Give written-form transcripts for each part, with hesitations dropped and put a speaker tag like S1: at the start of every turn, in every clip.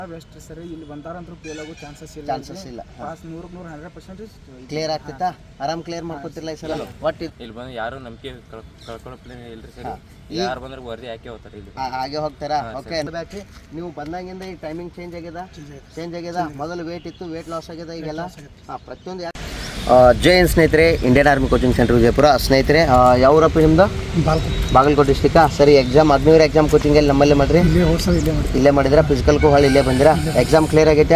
S1: Best ಸರಿ. ಇಲ್ಲಿ ಬಂದಾರಂತೂ ಫೇಲ್ ಆಗೋ ಚಾನ್ಸಸ್ ಇಲ್ಲ. ಪಾಸ್ 100% 100%
S2: ಕ್ಲಿಯರ್ ಆಗ್ತೈತಾ? ಆರಾಮ್ ಕ್ಲಿಯರ್ ಮಾಡ್ಕೊತಿರ್ಲ ಈ ಸಲ? ಒಟ್ಟು
S3: ಇಲ್ಲಿ ಬಂದು ಯಾರು ನಂಬಿಕೆ ಕಳ್ಕೊಳ್ಳೋ ಪ್ಲೇನ್ ಇಲ್ರಿ ಸರ್. ಯಾರು ಬಂದ್ರೆ ವರದಿ ಯಾಕೆ ಹೋಗ್ತಾರೆ ಇಲ್ಲಿ
S2: ಹಾಗೆ ಹೋಗ್ತಾರಾ? ಓಕೆ. ನೀವು ಬಂದಾಗಿಂದ ಈ ಟೈಮಿಂಗ್ ಚೇಂಜ್ ಆಗ್ಯದ. ಮೊದಲು ವೇಟ್ ಇತ್ತು, ವೇಟ್ ಲಾಸ್ ಆಗ್ಯದ ಈಗೆಲ್ಲ. ಪ್ರತಿಯೊಂದು ಜೈ ಹಿಂದ್ ಸ್ನೇಹಿತರೆ, Indian army coaching centre Vijayapura. ಸ್ನೇಹಿತರೆ, ಯಾವೂರಪ್ಪ ನಿಮ್ದು? ಬಾಗಲಕೋಟೆ ಡಿಸ್ಟಿಕ್ಕಾ? ಸರಿ. ಎಕ್ಸಾಮ್ ಅಗ್ನಿವೀರ ಎಕ್ಸಾಮ್ ಕೋಚಿಂಗಲ್ಲಿ ನಮ್ಮಲ್ಲೇ ಮಾಡ್ರಿ? ಇಲ್ಲೇ ಮಾಡಿದ್ರಾ? ಫಿಸಿಕಲ್ಗೂ ಹೊಳ್ಳಿ ಇಲ್ಲೇ ಬಂದಿರಾ? ಎಕ್ಸಾಮ್ ಕ್ಲಿಯರ್ ಆಗೈತೆ?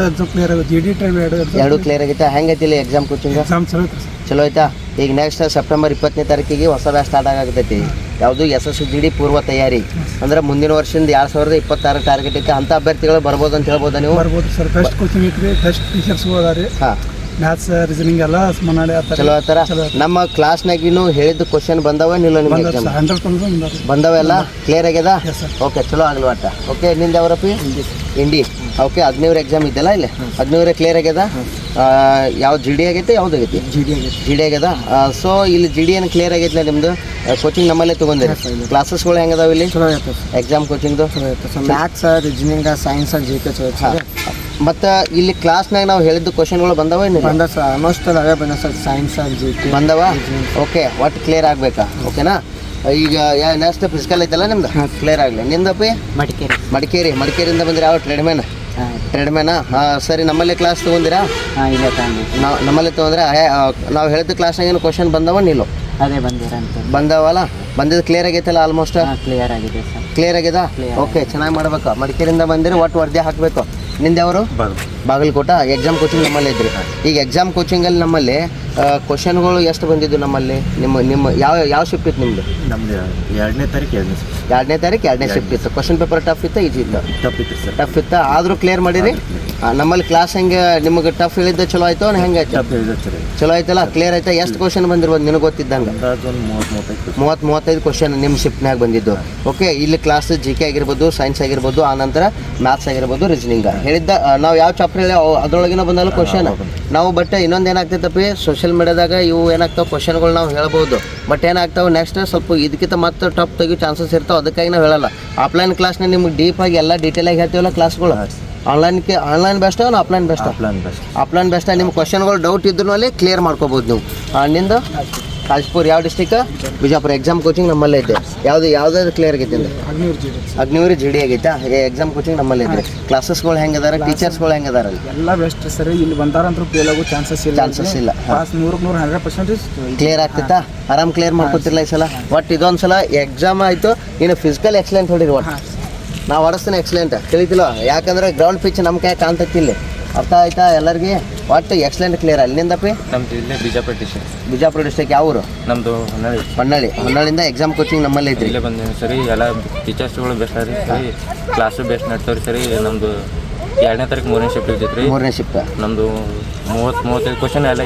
S2: ಎರಡು ಕ್ಲಿಯರ್ ಆಗೈತೆ. ಹೆಂಗೈತಿ ಇಲ್ಲಿ ಎಕ್ಸಾಮ್ ಕೋಚಿಂಗ್? ಚಲೋ ಆಯ್ತಾ? ಈಗ ನೆಕ್ಸ್ಟ್ ಸೆಪ್ಟೆಂಬರ್ 20ನೇ ತಾರೀಕಿಗೆ ಹೊಸ ಬ್ಯಾಚ್ ಸ್ಟಾರ್ಟ್ ಆಗತೈತಿ. ಯಾವುದು SSGD ಪೂರ್ವ ತಯಾರಿ ಅಂದ್ರೆ ಮುಂದಿನ ವರ್ಷದಿಂದ 2026 ಟಾರ್ಗೆಟ್ ಐತೆ. ಅಂಥ ಅಭ್ಯರ್ಥಿಗಳು ಬರ್ಬೋದು ಅಂತ ಹೇಳ್ಬೋದಾ ನೀವು?
S1: ಬರ್ಬೋದು ಸರ್. ಬೆಸ್ಟ್ ಕೋಚಿಂಗ್ ಐತ್ರಿ, ಬೆಸ್ಟ್ ಟೀಚರ್ಸ್ ಅದಾರಿ.
S2: ಹಾಂ,
S1: ಮ್ಯಾಥ್ಸ್ ರೀಸನಿಂಗ್ ಎಲ್ಲ ಮನಾಳಿ
S2: ಚಲೋ ಆತರ. ನಮ್ಮ ಕ್ಲಾಸ್ನಾಗಿನೂ ಹೇಳಿದ ಕ್ವಶನ್ ಬಂದವೇನಿಲ್ಲ ನಿಮ್ಗೆ?
S1: 100%
S2: ಬಂದವೆಲ್ಲ ಕ್ಲಿಯರ್ ಆಗ್ಯದ? ಓಕೆ, ಚಲೋ ಆಗಲಿ ಒಟ್ಟ. ಓಕೆ, ನಿಂದ ಯಾವ್ರಪ್ಪಿ? ಇಂಡಿ. ಓಕೆ, ಅಗ್ನಿವೀರ ಎಕ್ಸಾಮ್ ಇದೆಯಲ್ಲ ಇಲ್ಲಿ? ಅಗ್ನಿವೀರ ಕ್ಲಿಯರ್ ಆಗ್ಯದ? ಯಾವ GD ಆಗೈತೆ? ಯಾವ್ದು ಆಗೈತಿ? GD ಆಗ್ಯದ. ಸೊ ಇಲ್ಲಿ GD ಏನು ಕ್ಲಿಯರ್ ಆಗೈತಿಲ್ಲ ನಿಮ್ದು? ಕೋಚಿಂಗ್ ನಮ್ಮಲ್ಲೇ ತೊಗೊಂಡಿರಿ. ಕ್ಲಾಸಸ್ಗಳು ಹೆಂಗದಾವ ಇಲ್ಲಿ? ಎಕ್ಸಾಮ್ ಕೋಚಿಂಗ್ದು
S1: ಮ್ಯಾಥ್ಸ್, ರೀಸನಿಂಗ್, ಸೈನ್ಸ್, GK
S2: ಮತ್ತು ಇಲ್ಲಿ ಕ್ಲಾಸ್ನಾಗ ನಾವು ಹೇಳಿದ್ದು ಕ್ವಶನ್ಗಳು ಬಂದವ?
S1: ಬಂದ ಸರ್, ಆಲ್ಮೋಸ್ಟ್ ಅವೇ ಬಂದ ಸರ್. ಸೈನ್ಸ್, GK
S2: ಬಂದವ. ಓಕೆ, ಒಟ್ಟು ಕ್ಲಿಯರ್ ಆಗಬೇಕಾ? ಓಕೆನಾ? ಈಗ ನೆಕ್ಸ್ಟ್ ಫಿಸಿಕಲ್ ಐತಲ್ಲ ನಿಮ್ದು? ಕ್ಲಿಯರ್ ಆಗಲಿ. ನಿಂದಪ್ಪಿ? ಮಡಿಕೇರಿಯಿಂದ ಬಂದಿರಾ? ಯಾವ ಟ್ರೇಡ್ಮ್ಯಾನಾ? ಸರಿ. ನಮ್ಮಲ್ಲಿ ಕ್ಲಾಸ್ ತೊಗೊಂಡಿರಾ? ನಮ್ಮಲ್ಲಿ ತೊಗೊಂಡ್ರೆ ನಾವು ಹೇಳಿದ ಕ್ಲಾಸ್ನಾಗ ಏನು ಕ್ವಶನ್ ಬಂದವ ನಿಲ್ಲೋ?
S1: ಅದೇ
S2: ಬಂದವಲ್ಲ? ಬಂದಿದ್ದು ಕ್ಲಿಯರ್ ಆಗೈತಲ್ಲ? ಆಲ್ಮೋಸ್ಟ್
S1: ಕ್ಲಿಯರ್ ಆಗಿದೆ ಸರ್.
S2: ಕ್ಲಿಯರ್ ಆಗ್ಯದ? ಓಕೆ, ಚೆನ್ನಾಗಿ ಮಾಡ್ಬೇಕು. ಮಡಿಕೇರಿಯಿಂದ ಬಂದಿರಿ, ಒಟ್ಟು ವರದಿ ಹಾಕಬೇಕು. ನಿಂದೆವರು? ಬಾಗಲಕೋಟೆ. ಎಕ್ಸಾಮ್ ಕೋಚಿಂಗ್ ನಮ್ಮಲ್ಲಿ ಇದ್ರಿ. ಈಗ ಎಕ್ಸಾಮ್ ಕೋಚಿಂಗಲ್ಲಿ ನಮ್ಮಲ್ಲಿ ಕ್ವಶನ್ಗಳು ಎಷ್ಟು ಬಂದಿದ್ದು ನಮ್ಮಲ್ಲಿ? ನಿಮ್ಮ ಯಾವ ಶಿಫ್ಟ್ ಇತ್ತು ನಿಮ್ಮದು?
S3: ನಮ್ದು 2ನೇ ತಾರೀಕು 2ನೇ ಶಿಫ್ಟ್ ಇತ್ತು. ಕ್ವಶನ್ ಪೇಪರ್ ಟಫ್ ಇತ್ತು, ಈಜಿ ಇತ್ತು? ಟಫ್ ಇತ್ತು. ಆದರೂ ಕ್ಲಿಯರ್ ಮಾಡಿರಿ? ನಮ್ಮಲ್ಲಿ ಕ್ಲಾಸ್ ಹೆಂಗೆ ನಿಮಗೆ ಟಫ್ ಹೇಳಿದ್ದ ಚಲೋ ಆಯ್ತು? ಹೆಂಗಾಯ್ತು? ಚಲೋ ಆಯ್ತಲ್ಲ? ಕ್ಲಿಯರ್ ಆಯ್ತಾ? ಎಷ್ಟು ಕ್ವಶನ್ ಬಂದಿರ್ಬೋದು ನಿನಗೆ ಗೊತ್ತಿದ್ದಂಗೆ? 30-35 ಕ್ವಶನ್ ನಿಮ್ಮ ಶಿಫ್ಟ್ನಾಗ ಬಂದಿದ್ದು. ಓಕೆ, ಇಲ್ಲಿ ಕ್ಲಾಸ್ GK ಆಗಿರ್ಬೋದು, ಸೈನ್ಸ್ ಆಗಿರ್ಬೋದು, ಆನಂತರ ಮ್ಯಾಥ್ಸ್ ಆಗಿರ್ಬೋದು, ರೀಸನಿಂಗ್ ಹೇಳಿದ್ದ. ನಾವು ಯಾವ ಚಾಪ್ಟರ್ ಹೇಳಿ ಅದ್ರೊಳಗಿನ ಬಂದಲ್ಲ ಕ್ವಶನ್ ನಾವು. ಬಟ್ ಇನ್ನೊಂದು ಏನಾಗ್ತೈತಪ್ಪಿ, ಸೋಷಿಯಲ್ ಮೀಡಿಯಾದಾಗ ಇವು ಏನಾಗ್ತಾವೆ ಕ್ವಶನ್ಗಳು ನಾವು ಹೇಳ್ಬೋದು. ಬಟ್ ಏನಾಗ್ತಾವೆ ನೆಕ್ಸ್ಟ್ ಸ್ವಲ್ಪ ಇದಕ್ಕಿಂತ ಮತ್ತೆ ಟಫ್ ತೆಗಿಯೋ ಚಾನ್ಸಸ್ ಇರ್ತಾವೆ. ಅದಕ್ಕಾಗಿ ನಾವು ಹೇಳಲ್ಲ. ಆಫ್ಲೈನ್ ಕ್ಲಾಸ್ನ ನಿಮ್ಗೆ ಡೀಪಾಗಿ ಎಲ್ಲ ಡೀಟೇಲಾಗಿ ಹೇಳ್ತೀವಲ್ಲ ಕ್ಲಾಸ್ಗಳು. Online best offline best? Offline best. ನಿಮ್ಮ ಕ್ವಶನ್ಗಳು ಡೌಟ್ ಇದ್ರೂ ಅಲ್ಲಿ ಕ್ಲಿಯರ್ ಮಾಡ್ಕೋಬೋದು ನೀವು. ನಿಂದು ಕಾಜ್ಪುರ್. ಯಾವ ಡಿಸ್ಟಿಕ್? ಬಿಜಾಪುರ. ಎಕ್ಸಾಮ್ ಕೋಚಿಂಗ್ ನಮ್ಮಲ್ಲೇ ಇದೆ. ಯಾವ್ದಾದ್ರು ಕ್ಲಿಯರ್ ಆಗೈತೆ? ಅಗ್ನಿವೀರ GD ಆಗೈತಾ? ಎಕ್ಸಾಮ್ ಕೋಚಿಂಗ್ ನಮ್ಮಲ್ಲೇ ಇದೆ. ಕ್ಲಾಸಸ್ಗಳು ಹೆಂಗದಾರ? ಟೀಚರ್ಸ್ಗಳು ಹೆಂಗದಾರ?
S1: ಎಲ್ಲ ಬೆಸ್ಟ್ ಸರಿ. ಇಲ್ಲಿ ಬಂದಾರಂತೂ ಫೇಲ್ ಆಗೋ ಚಾನ್ಸಸ್ ಇಲ್ಲ. ಪಾಸ್ 100% 100%
S2: ಕ್ಲಿಯರ್ ಆಗ್ತೈತಾ? ಆರಾಮ್ ಕ್ಲಿಯರ್ ಮಾಡ್ಕೊತಿರ್ಲ ಈ ಸಲ? ಒಟ್ಟು ಇದೊಂದು ಸಲ ಎಕ್ಸಾಮ್ ಆಯಿತು. ಇನ್ನು ಫಿಸಿಕಲ್ ಎಕ್ಸಲೆಂಟ್ ಹೊಡಿರಿ. ಒಟ್ಟು ನಾವು ಹೊಡಿಸ್ತೀನಿ ಎಕ್ಸಲೆಂಟ್. ತಿಳಿತಿಲ್ಲ? ಯಾಕಂದ್ರೆ ಗ್ರೌಂಡ್ ಪಿಚ್ ನಮ್ಮ ಕೈ ಕಾಣ್ತೈತಿ ಇಲ್ಲಿ. ಅರ್ಥ ಆಯ್ತಾ ಎಲ್ಲರಿಗೆ? ಒಟ್ಟು ಎಕ್ಸಲೆಂಟ್ ಕ್ಲಿಯರ್. ಅಲ್ಲಿಂದಪ್ಪಿ?
S3: ನಮ್ದು ಇಲ್ಲೇ
S2: ಬಿಜಾಪುರ ಡಿಸ್ಟ್ರಿಕ್ಟ್. ಯಾವ ಊರು?
S3: ನಮ್ಮದು
S2: ಹೊನ್ನಾಳಿಯಿಂದ ಎಕ್ಸಾಮ್ ಕೋಚಿಂಗ್ ನಮ್ಮಲ್ಲಿ ಐತ್ರಿ.
S3: ಇಲ್ಲೇ ಬಂದಿದ್ದೀನಿ ಸರಿ. ಎಲ್ಲ ಟೀಚರ್ಸ್ಗಳು ಬೆಸ್ಟ್ ಆದ್ರಿ ಸರಿ. ಕ್ಲಾಸು ಬೆಸ್ಟ್ ನಡ್ತಾವ್ರಿ ಸರಿ. ನಮ್ಮದು 2ನೇ ತಾರೀಕು 3ನೇ ಶಿಫ್ಟ್ ಇರ್ತೈತೆ ರೀ. 3ನೇ ಶಿಫ್ಟ್. ನಮ್ಮದು 30-35 ಕ್ವಶನ್ ಎಲ್ಲ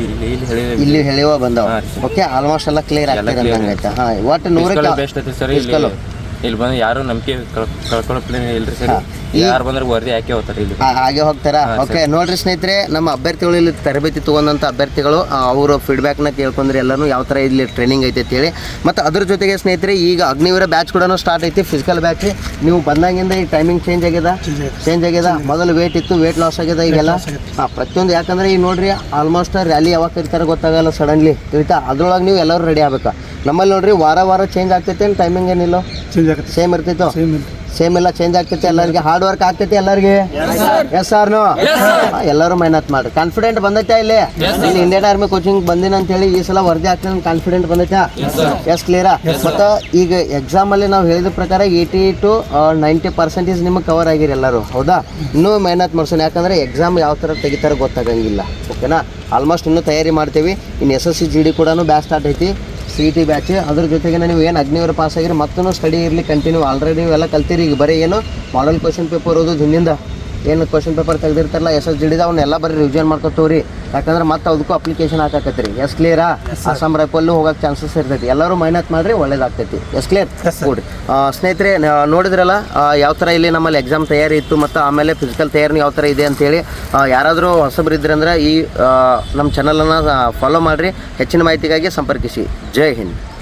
S3: ಇಲ್ಲಿ
S2: ಹೇಳಿವ ಬಂದವ. ಓಕೆ, ಆಲ್ಮೋಸ್ಟ್ ಎಲ್ಲ ಕ್ಲಿಯರ್ ಆಗ್ತದೆ. ಹಾಂ, ಒಟ್ಟು 100
S3: ಬೆಸ್ಟ್ ಐತಿ ಸರಿ. ಇಲ್ಲಿ ಬಂದು ಯಾರು ನಂಬಿಕೆ ಕಳ್ಕೊಳ್ಳೋ ಪ್ಲೇನ್ ಇಲ್ರಿ ಸರ್. ಯಾರು ಬಂದ್ರೆ ವರದಿ ಯಾಕೆ ಹೋಗ್ತಾರೆ ಇಲ್ಲಿ?
S2: ಹಾಗೆ ಹೋಗ್ತಾರಾ? ಓಕೆ, ನೋಡ್ರಿ ಸ್ನೇಹಿತರೆ, ನಮ್ಮ ಅಭ್ಯರ್ಥಿಗಳು ಇಲ್ಲಿ ತರಬೇತಿ ತೊಗೊಂಡಂಥ ಅಭ್ಯರ್ಥಿಗಳು ಅವರು ಫೀಡ್ಬ್ಯಾಕ್ನ ಕೇಳ್ಕೊಂಡ್ರೆ ಎಲ್ಲರೂ ಯಾವ ಥರ ಇಲ್ಲಿ ಟ್ರೈನಿಂಗ್ ಐತೆ ಅಂತೇಳಿ. ಮತ್ತು ಅದ್ರ ಜೊತೆಗೆ ಸ್ನೇಹಿತರೆ, ಈಗ ಅಗ್ನಿವೀರ ಬ್ಯಾಚ್ ಕೂಡ ಸ್ಟಾರ್ಟ್ ಐತಿ. ಫಿಸಿಕಲ್ ಬ್ಯಾಚ್ ನೀವು ಬಂದಾಗಿಂದ ಈ ಟೈಮಿಂಗ್ ಚೇಂಜ್ ಆಗ್ಯದ. ಮೊದಲು ವೇಟ್ ಇತ್ತು, ವೇಟ್ ಲಾಸ್ ಆಗ್ಯದ ಈಗೆಲ್ಲ. ಪ್ರತಿಯೊಂದು. ಯಾಕಂದ್ರೆ ಈಗ ನೋಡ್ರಿ, ಆಲ್ಮೋಸ್ಟ್ ರ್ಯಾಲಿ ಯಾವಾಗ ಕರಿತಾರೆ ಗೊತ್ತಾಗಲ್ಲ ಸಡನ್ಲಿ. ತಿಳಿತಾ? ಅದ್ರೊಳಗೆ ನೀವು ಎಲ್ಲರೂ ರೆಡಿ ಆಗ್ಬೇಕು. ನಮ್ಮಲ್ಲಿ ನೋಡ್ರಿ ವಾರ ಚೇಂಜ್ ಆಗ್ತೈತೆ. ಟೈಮಿಂಗ್ ಏನಿಲ್ಲ, ಸೇಮ್ ಇರ್ತೈತೋ? ಸೇಮ್ ಎಲ್ಲ ಚೇಂಜ್ ಆಗ್ತೈತೆ. ಎಲ್ಲರಿಗೆ ಹಾರ್ಡ್ ವರ್ಕ್ ಆಗ್ತೈತಿ ಎಲ್ಲರಿಗೆ. Yes or no? ಎಲ್ಲರೂ ಮೆಹನತ್ ಮಾಡ್ರಿ. ಕಾನ್ಫಿಡೆಂಟ್ ಬಂದೈತಾ? ಇಲ್ಲಿ ಇಂಡಿಯನ್ ಆರ್ಮಿ ಕೋಚಿಂಗ್ ಬಂದಿನ ಅಂತೇಳಿ ಈ ಸಲ ವರದಿ ಆಗ್ತದೆ. ಕಾನ್ಫಿಡೆಂಟ್ ಬಂದೈತಾ? ಎಸ್ ಕ್ಲಿಯರಾ? ಮತ್ತು ಈಗ ಎಕ್ಸಾಮಲ್ಲಿ ನಾವು ಹೇಳಿದ ಪ್ರಕಾರ 80 to 90% ನಿಮಗೆ ಕವರ್ ಆಗಿರಿ ಎಲ್ಲರೂ. ಹೌದಾ? ಇನ್ನೂ ಮೆಹನತ್ ಮಾಡ್ಸೋಣ. ಯಾಕಂದರೆ ಎಕ್ಸಾಮ್ ಯಾವ ಥರ ತೆಗಿತಾರೆ ಗೊತ್ತಾಗಂಗಿಲ್ಲ. ಓಕೆನಾ? ಆಲ್ಮೋಸ್ಟ್ ಇನ್ನೂ ತಯಾರಿ ಮಾಡ್ತೀವಿ. ಇನ್ನು SSGD ಕೂಡ ಬ್ಯಾಚ್ ಸ್ಟಾರ್ಟ್ ಐತಿ, CET ಬ್ಯಾಚ್. ಅದ್ರ ಜೊತೆಗೆ ನೀವು ಏನು ಅಗ್ನಿವೀರ ಪಾಸ್ ಆಗಿರಿ ಮತ್ತೂ ಸ್ಟಡಿ ಇರಲಿ ಕಂಟಿನ್ಯೂ. ಆಲ್ರೆಡಿ ನೀವೆಲ್ಲ ಕಲ್ತೀರಿ. ಈಗ ಬರೀ ಏನು ಮಾಡಲ್ ಕ್ವಶನ್ ಪೇಪರ್ ಓದೋದು, ಹಿಂದಿಂದ ಏನು ಕ್ವಶನ್ ಪೇಪರ್ ತೆಗೆದಿರ್ತಾರಲ್ಲ SSGD ಅವನ್ನೆಲ್ಲ ಬರೀ ರಿವಿಷನ್ ಮಾಡ್ಕೊತವ್ರಿ. ಯಾಕಂದ್ರೆ ಮತ್ತೆ ಅದಕ್ಕೂ ಅಪ್ಲಿಕೇಶನ್ ಹಾಕತ್ರಿ. ಎಸ್ ಕ್ಲಿಯರಾ? ಅಸ್ಸಾಂ ರೈಫಲ್ಲು ಹೋಗೋಕ್ಕೆ ಚಾನ್ಸಸ್ ಇರ್ತೈತಿ. ಎಲ್ಲರೂ ಮೆಹನತ್ ಮಾಡಿರಿ, ಒಳ್ಳೇದಾಗ್ತೈತಿ. S clear? ಗುಡ್. ಸ್ನೇಹಿತರೆ, ನೋಡಿದ್ರಲ್ಲ ಯಾವ ಥರ ಇಲ್ಲಿ ನಮ್ಮಲ್ಲಿ ಎಕ್ಸಾಮ್ ತಯಾರಿ ಇತ್ತು ಮತ್ತು ಆಮೇಲೆ ಫಿಸಿಕಲ್ ತಯಾರಿ ಯಾವ ಥರ ಇದೆ ಅಂತೇಳಿ. ಯಾರಾದರೂ ಹೊಸಬ್ರು ಇದ್ರಂದ್ರೆ ಈ ನಮ್ಮ ಚಾನಲನ್ನು ಫಾಲೋ ಮಾಡಿರಿ. ಹೆಚ್ಚಿನ ಮಾಹಿತಿಗಾಗಿ ಸಂಪರ್ಕಿಸಿ. ಜೈ ಹಿಂದ್.